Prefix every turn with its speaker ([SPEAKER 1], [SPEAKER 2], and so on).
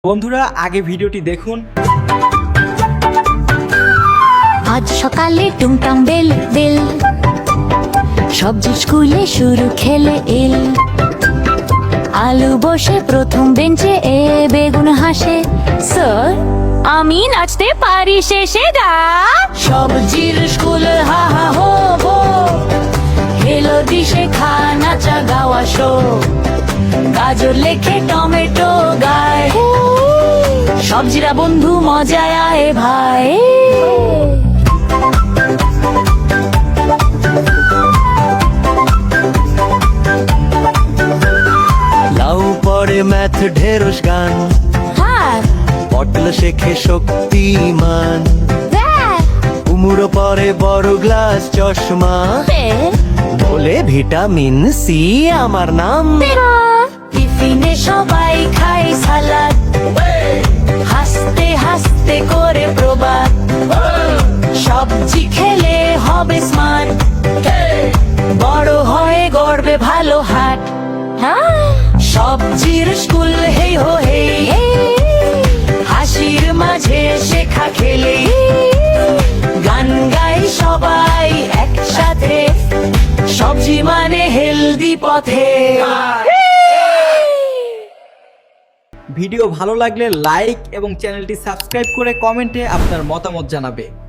[SPEAKER 1] বন্ধুরা আগে ভিডিওটি দেখুন।
[SPEAKER 2] আজ সকালে টুংটাং বেল বেল, সবজি স্কুলে শুরু খেলে এল। আলু বসে প্রথম বেঞ্চে, এ বেগুন হাসে। স্যার আমি নাচতে পারি শেষে গা। সবজির স্কুল হা হা হো হো, হেলো দিশে খা নাচা গাওয়া শো। গাজর লেখে টমেটো গায়, সবজিরা বন্ধু মজায় আয় ভাই।
[SPEAKER 3] লাউ পড়ে ম্যাথ ঢেরস গান,
[SPEAKER 2] হ্যাঁ
[SPEAKER 3] পটল শেখে শক্তিমান। কুমড়ো পরে বড় গ্লাস চশমা, বলে ভিটামিন সি আমার নাম।
[SPEAKER 2] টিফিনে সবাই খায় সালাদ, হাসতে হাসতে করে প্রবাদ। সবজি খেলে হবে স্মার্ট, বড় হয়ে গড়বে ভালো হাট। সবজির স্কুল হেই হো হেই, হাসির মাঝে শেখা খেলে। গান গাই সবাই একসাথে, সবজি মানে হেলদি পথে।
[SPEAKER 1] ভিডিও ভালো লাগলে লাইক এবং চ্যানেলটি সাবস্ক্রাইব করে কমেন্টে আপনার মতামত জানাবে।